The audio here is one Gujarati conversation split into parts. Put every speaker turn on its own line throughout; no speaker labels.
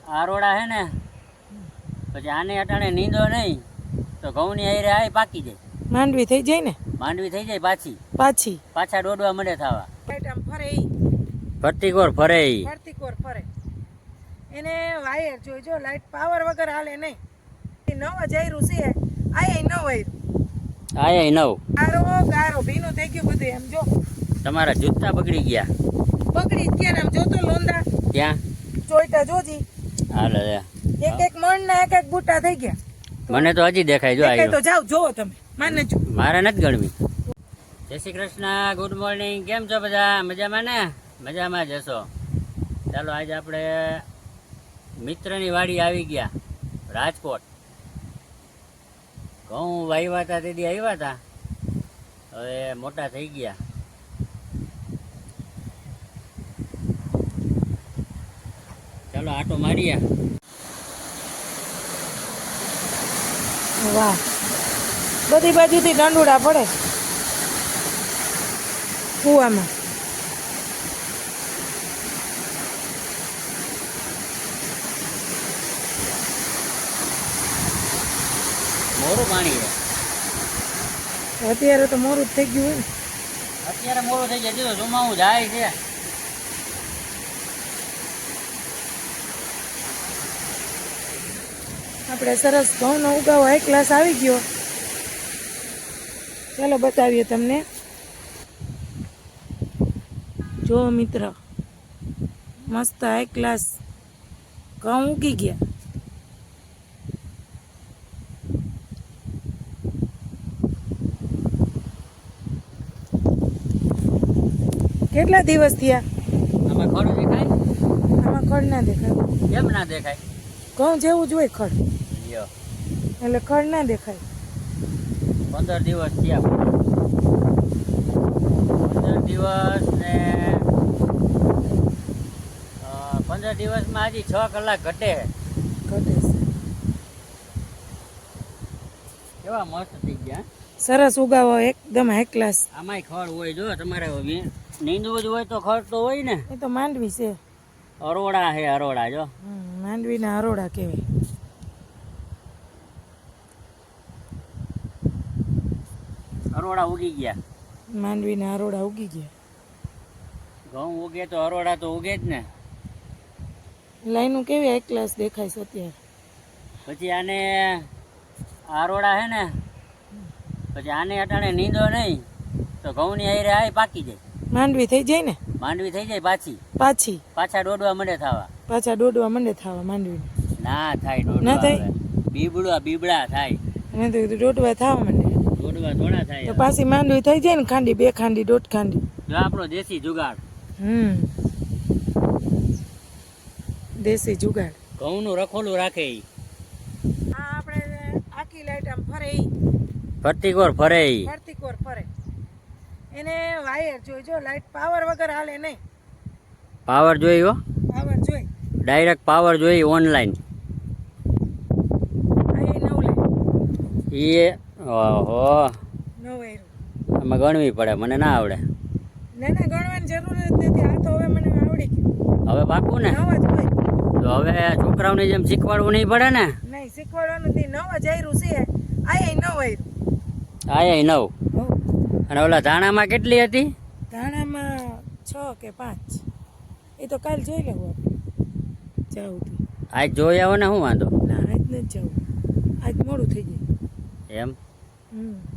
આરોડા હે ને પછી આને અટાણે નીંદો નહીં તો ઘઉંની હારે આય પાકી જાય.
માંડવી થઈ જાય ને?
માંડવી થઈ જાય પાછા દોડવા મળે થવા.
લાઈટ આમ ફરે ઈ
ફરતીકોર ફરે ઈ
ફરતીકોર ફરે એને વાયર જોઈજો. લાઈટ પાવર વગર હાલે નહીં. નવ જયરું છે આય નવ
આય નવ
ગારો ગારો ભીનું થઈ ગયું બધું. એમ જો
તમારા જૂતા બગડી ગયા.
બગડી જ ગયા. આમ જોતો લોંદા
ક્યાં
જોઈતા જોજી.
હાલે
એક એક મણ ના એક એક બુટ્ટા થઈ ગયા.
મને તો હજી દેખાય. જો
દેખાય તો જાવ જોવો તમે. માને જો
મારે નથી ગણવી. જય શ્રી કૃષ્ણ, ગુડ મોર્નિંગ. કેમ છો બધા? મજામાં ને? મજામાં જશો. ચાલો આજે આપણે મિત્રની વાડી આવી ગયા રાજકોટ. ઘઉં વાવ્યા હતા તેથી આવ્યા હતા, હવે મોટા થઈ ગયા. ચાલો આટો મારીએ.
વાહ, બધી બાજુથી દંડુડા પડે કુવામાં.
મોરું પાણી છે
અત્યારે તો મોરું જ થઈ ગયું હોય ને.
અત્યારે મોરું થઈ જાય. જો જુમાવું જાય છે.
આપણે સરસ ઘઉંનો ઉગાવો હાઈ ક્લાસ આવી ગયો. ચાલો બતાવીએ તમને. જો મિત્ર, મસ્ત હાઈ ક્લાસ ઘઉં ઉગી ગયા. કેટલા દિવસ થયા?
આમાં ખડ દેખાય?
આમાં ખડ ના દેખાય.
કેમ ના દેખાય?
ઘઉં જેવું જ હોય ખડ,
લ્યો
એટલે ખડ ના દેખાય.
15 દિવસ થયા. 15 દિવસ ને 15 દિવસમાં હજી 6 કલાક ઘટે.
ઘટે છે.
કેવા મસ્ત થઈ ગયા.
સરસ ઉગાવો એકદમ હાઈ ક્લાસ.
આમાંય ખડ હોય. જો તમારે નીંદવું જ હોય તો ખડ તો હોય ને.
એ તો માંડવી છે.
અરોડા હે અરોડા. જો
માંડવીના અરોડા કહેવાય.
અરોડા ઉગી ગયા.
માંડવીના અરોડા ઉગી ગયા.
ઘઉં ઉગે તો અરોડા તો ઉગે જ ને.
લાઈનું કેવી હાઈ ક્લાસ દેખાય છે અત્યારે.
પછી આને આરોડા હે ને પછી આને અટાણે નીંદો નહીં તો ઘઉંની હારે આય પાકી જાય.
માંડવી થઈ જાય ને?
માંડવી થઈ જાય પાછા દોડવા મળે થવા.
પાછા દોડવા મંડે થવા માંડવી.
ના થાય
ના
દોડવા.
થાય?
બીબડા થાય.
અને તો દોડવા થવા માંડે.
દોડવા થોડા થાય.
તો પાછી માંડવી થઈ જાય ને, ખાંડી, 2 ખાંડી, 1.5 ખાંડી.
જો આપણો દેશી જુગાડ.
દેશી જુગાડ.
ઘઉંનું રખોલું રાખે ઈ.
આ આપણે આખી લાઈટ આમ ફરે ઈ
ફરતીકોર ફરે ઈ.
ફરતીકોર ફરે એને વાયર જોઈજો. લાઈટ પાવર વગર હાલે નહીં.
પાવર જોઈ હો.
પાવર જોઈ.
ડાયરેક્ટ પાવર જોઈ ઓનલાઈન.
આ એ નવ લાઈટ.
એ ઓહો,
નવ વાયરું.
આમાં ગણવી પડે. મને ના આવડે.
ના ના, ગણવાની જરૂર જ નથી. આ તો હવે મને આવડી ગયું.
હવે પાકું ને?
નવ જ હોય.
તો હવે છોકરાઓની જેમ શીખવાડવું નહીં પડે ને.
નહીં, શીખવાડવાનું નથી. નવ જ આયરું છે. આ એ નવ આયરું.
આય 9. અને ઓલા ધાણામાં કેટલી હતી?
ધાણામાં 6 કે 5. એ તો કાલ જોઈ લેવું આપણે. જાવું તો.
આજ જોઈ આવો ને. શું વાંધો?
ના, આજ નથી જવું. આજ મોડું થઈ જાય.
એમ
હમ.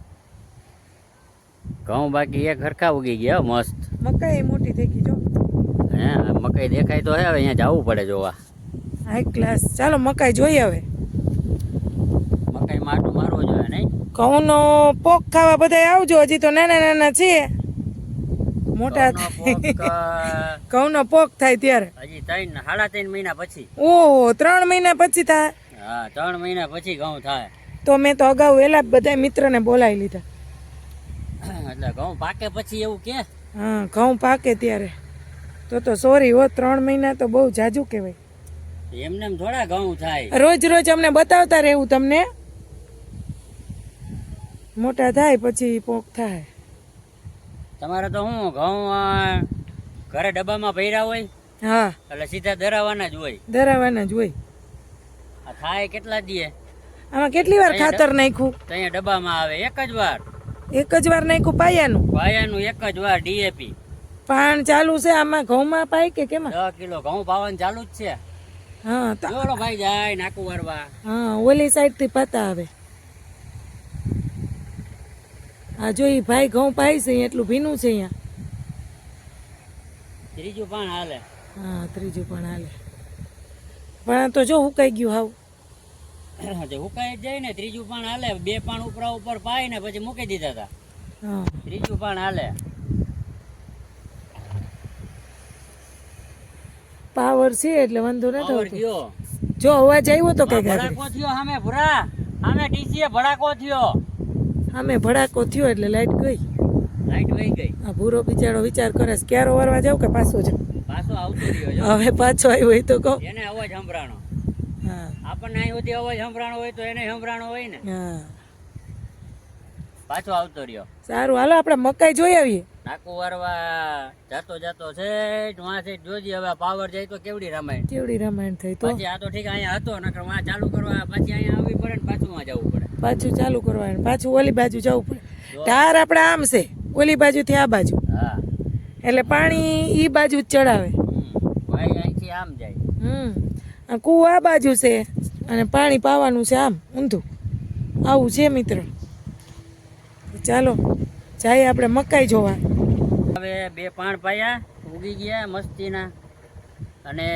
ઘઉં બાકી એક હરખા ઉગી ગયા હો, મસ્ત.
મકાઈ મોટી થઈ ગઈ જો.
હે મકાઈ દેખાય તો હે. હવે અહીંયા જવું પડે જોવા.
High class. ચાલો મકાઈ જોઈએ હવે.
મકાઈ માટું મારવો જોઈએ નહીં?
ઘઉંનો પોક ખાવા બધા આવજો. હજી તો નાના નાના છે. મોટા ઘઉંનો પોક થાય ત્યારે
હજી 3.5 મહિના પછી.
ઓહો, 3 મહિના પછી થાય?
હા, 3 મહિના પછી ઘઉં થાય.
તો મેં તો અગાઉ વહેલા બધા મિત્રને બોલાવી લીધા.
એટલે ઘઉં પાકે પછી એવું કે?
હા, ઘઉં પાકે ત્યારે. તો સોરી હો, 3 મહિના તો બહુ જાજુ કહેવાય.
એમને થોડા ઘઉં થાય.
રોજ રોજ અમને બતાવતા રહેવું તમને. મોટા થાય પછી પોક થાય.
તમારે તો શું ઘઉં ઘરે ડબ્બામાં ભર્યા હોય?
હા
એટલે સીધા ધરાવાના જ હોય.
ધરાવાના જ હોય.
આ થાય કેટલા દીએ
આમાં કેટલી વાર ખાતર નાખ્યું?
તો અહીંયા ડબ્બામાં આવે એક જ વાર.
એક જ વાર નાખ્યું પાયાનું?
પાયાનું એક જ વાર ડીએપી.
પાણ ચાલુ છે આમાં ઘઉંમાં પાય કે કેમાં?
10 કિલો ઘઉં પાવાનું ચાલુ જ છે.
હા
જોડો ભાઈ જાય નાકું વારવા.
હા ઓલી સાઈડ થી પાતા આવે. આ જો ઈ ભાઈ ઘઉં પાય છે એટલું ભીનું છે અહીંયા.
ત્રીજું પાણ હાલે.
હા ત્રીજું પણ હાલે. પણ તો જો હુકાઈ ગયું હાવ.
તે હુકાઈ જ જાય ને. ત્રીજું પાણ હાલે. 2 પાણ ઉપર પાય ને પછી મૂકી દીધા હતા.
હા
ત્રીજું પાણ હાલે.
પાવર છે એટલે વાંધો ન
પાવર
થતો.
થયો.
જો અવાજ આવ્યો તો કઈ
ભડાકો થયો સામે ભૂરા. સામે ડીસીએ ભડાકો થયો.
અમે ભડાકો થયો એટલે લાઈટ ગઈ.
લાઈટ વહી ગઈ.
આ ભૂરો બિચારો વિચાર કરે છે ક્યારે વરવા જાવ કે પાછો જાવ.
પાછો આવતો રહ્યો જો.
હવે પાછો આવ્યો હોય તો કહો.
એને અવાજ સંભળાણો.
હા
આપણને અહીં સુધી અવાજ સંભળાણો હોય તો એને સંભળાણો હોય ને.
હા
પાછો આવતો રહ્યો.
સારું હાલો આપણે મકાઈ જોઈ આવીએ.
નાકું વારવા જાતો છે વાં છે જોજી. હવે પાવર જાય તો કેવડી રામાયણ.
કેવડી રામાયણ થઈ તો
પછી આ તો ઠીક અહીંયા હતો નકર વાં ચાલુ કરવા પછી અહીંયા આવવી પડે ને પાછું વાં જવું પડે.
પાછું ચાલુ કરવાનું પાછું ઓલી બાજુ જવું પડે. ધાર આપણે આમ છે ઓલી બાજુથી આ બાજુ
હા
એટલે પાણી ઈ બાજુ જ ચડાવે.
ભાઈ અહીંથી આમ જાય.
આ કૂવો આ બાજુ છે અને પાણી પાવાનું છે આમ ઊંધું. આવું છે મિત્ર. ચાલો જાય આપણે મકાઈ જોવા.
હવે 2 પાણ પાયા ઉગી ગયા મસ્તીના. અને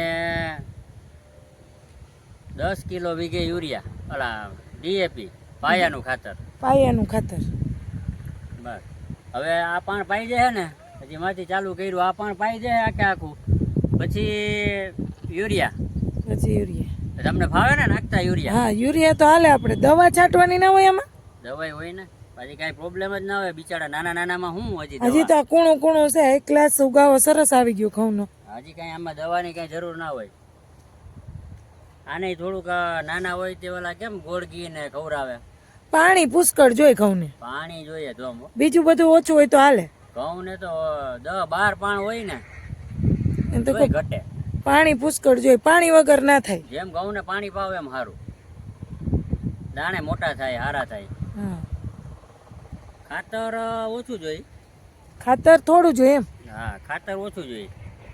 10 કિલો વીઘે યુરિયા ઓલા ડીએપી પાયાનું ખાતર.
પાયાનું ખાતર.
બસ હવે આ પાણ પાઈ જાય ને પછી માંથી ચાલુ કર્યું. આ પાણ પાઈ જાય આખે આખું પછી યુરિયા.
પછી યુરિયા
તમને ફાવે ને નાખતા યુરિયા?
હા યુરિયા તો હાલે. આપણે દવા છાંટવાની ના હોય એમાં?
દવાઈ હોય ને પછી કાંઈ પ્રોબ્લેમ જ ના હોય. બિચારા નાનામાં હું હજી
હજી તો આ કૂણું કૂણું છે. એક ગ્લાસ ઉગાવો સરસ આવી ગયો ઘઉંનો.
હજી કાંઈ આમાં દવાની કાંઈ જરૂર ના હોય. આને થોડુંક નાના હોય તે ઓલા કેમ ગોળગી ને ખવડાવે.
પાણી પુષ્કળ જોઈ ઘઉંને.
પાણી જોઈએ તો
બીજું બધું ઓછું હોય તો હાલે.
ઘઉં ને તો 10-12 પાણ હોય ને
એમ તો
તોય ઘટે.
પાણી પુષ્કળ જોઈ. પાણી વગર ના થાય.
જેમ ઘઉં ને પાણી પાવે એમ સારું. દાણે મોટા થાય હારા થાય.
હા
ખાતર ઓછું જોઈએ.
ખાતર થોડું જોઈએ એમ?
હા ખાતર ઓછું જોઈએ.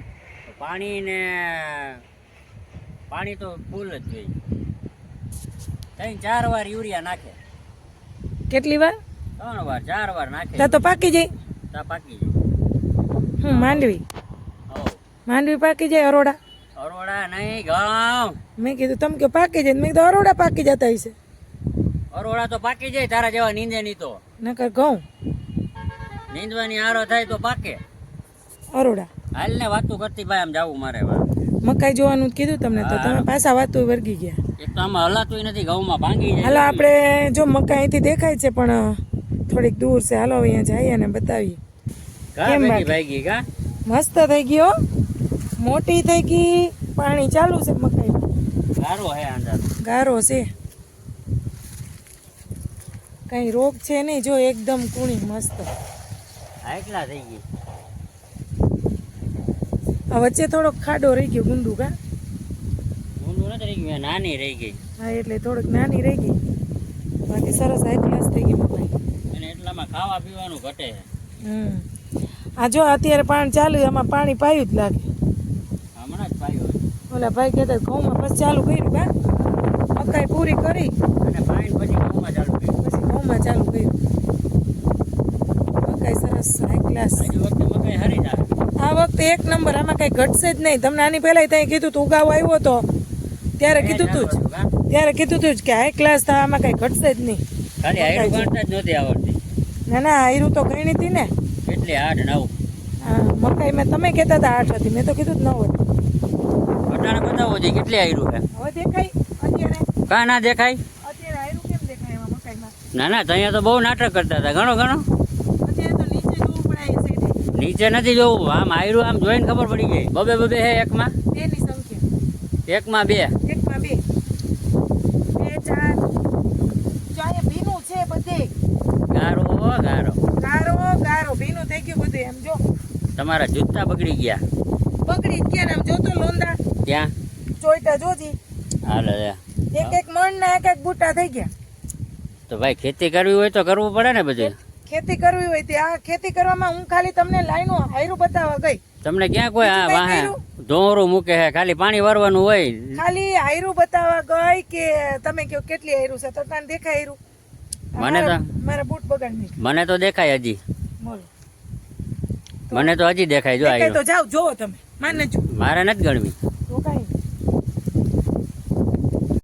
પાણી તો ફૂલ જ જોઈએ. 3-4 વાર યુરિયા નાખે.
કેટલી વાર?
3 વાર 4 વાર નાખે.
તા તો પાકી જાય.
તા પાકી જાય.
માંડવી
હો
માંડવી પાકી જાય. અરોડા
અરોડા નહીં ઘઉં.
મેં કીધું તમે કે પાકી જાય. મેં કીધું અરોડા પાકી જતા હશે.
અરોડા તો પાકી જાય. તારા જેવા નીંદે નહીં તો.
નકર ઘઉં
નીંદવાની આરો થાય તો પાકે.
અરોડા
હાલ ને વાતું કરતી ભાઈ આમ જાવું મારે.
મકાઈ જોવાનું જ કીધું તમને તો તમે પાછા વાતો વર્ગી ગયા.
એક તો આમાં હલાતુંય નથી. ઘઉંમાં ભાંગી જાય.
હાલો આપણે જો મકાઈ અહીંથી દેખાય છે પણ થોડીક દૂર છે. હાલો અહીંયા જઈએ અને બતાવીએ.
કેમ ભાગી કા
મસ્ત થઈ ગયો. મોટી થઈ ગઈ. પાણી ચાલુ છે મકાઈમાં.
ગારો હે અંદર.
ગારો છે. કઈ રોગ છે નહીં. જો એકદમ કૂણી મસ્ત.
એકલા થઈ ગઈ.
આ વચ્ચે થોડોક ખાડો રહી ગયો. ગુંદુ કા
ઊંધું નથી રહી ગયું. નાની રહી ગઈ.
હા એટલે થોડીક નાની રહી ગઈ. બાકી સરસ હાઈ ક્લાસ થઈ ગઈ મકાઈ.
અને એટલામાં ખાવા પીવાનું ઘટે.
આ જો અત્યારે પાણી ચાલુ. આમાં પાણી પાયું જ લાગે.
હમણાં જ પાયું.
ઓલા ભાઈ કહેતા ઘઉંમાં પછી ચાલુ કર્યું કા મકાઈ પૂરી કરી
અને પાણી પછી ઘઉંમાં ચાલુ કર્યું.
પછી ઘઉંમાં ચાલુ કર્યું. મકાઈ સરસ હાઈ ક્લાસ.
હજી વખતે મકાઈ હારી જાય.
આ વખતે એક નંબર. આમાં કઈ ઘટશે જ નહીં. તમને આની પહેલા ત્યાં કીધું તું ઉગાવો આવ્યો તો ત્યારે કીધું તું જ કે હાઈ ક્લાસ થાય. આમાં કઈ ઘટશે જ નહીં.
ખાલી હાયરું કાઢતા જ નહોતી આવડતી.
ના ના હાયરું તો ગણી હતી ને.
કેટલી 8-9.
હા મકાઈ મેં તમે કહેતા હતા 8 હતી. મેં તો કીધું જ 9 હતી.
અટાણે બતાવો છે કેટલી હાયરું છે.
હવે દેખાય અત્યારે?
કા ના દેખાય?
અત્યારે હાયરું કેમ દેખાય એમાં મકાઈમાં?
ના ત્યાં તો બહુ નાટક કરતા હતા. ઘણો
અત્યારે તો નીચે જોવું પડે એ સાઈડે.
નીચે નથી જોવું. આમ હાયરું આમ જોઈને ખબર પડી ગઈ. બબે હે એકમાં.
2 ની સંખ્યા.
એકમાં 2.
એકમાં 2 4 જો અહીંયા ભીનું છે બધે.
ગારો
ગારો ભીનું થઈ ગયું બધું. એમ જો
તમારા જૂતા બગડી ગયા.
બગડી જ ગયા ને આમ જોતો લોંદા
ક્યાં
ચોઈટા જોજી
હાલે રે.
એક મણ ના એક બુટ્ટા થઈ ગયા.
તો ભાઈ ખેતી કરવી હોય તો કરવું પડે ને બધું.
ખેતી કરવી હોય તે આ ખેતી કરવામાં હું ખાલી તમને લાઈનો હાયરું બતાવવા ગઈ.
તમને ક્યાં કોઈ આ
બીજું
વાહે
કંઈ
ધોરું મૂકે છે, ખાલી પાણી વારવાનું હોય.
ખાલી હાયરું બતાવવા ગઈ કે તમે કહો કેટલી હાયરું છે તો તને દેખાય હાયરું?
મને તો
મારા બૂટ બગાડ નહીં
મને તો દેખાય હજી,
બોલો.
મને તો હજી દેખાય જો
દેખાય
આયરો.
તો જાઓ જોવો તમે માને જો
મારે નથી ગણવી.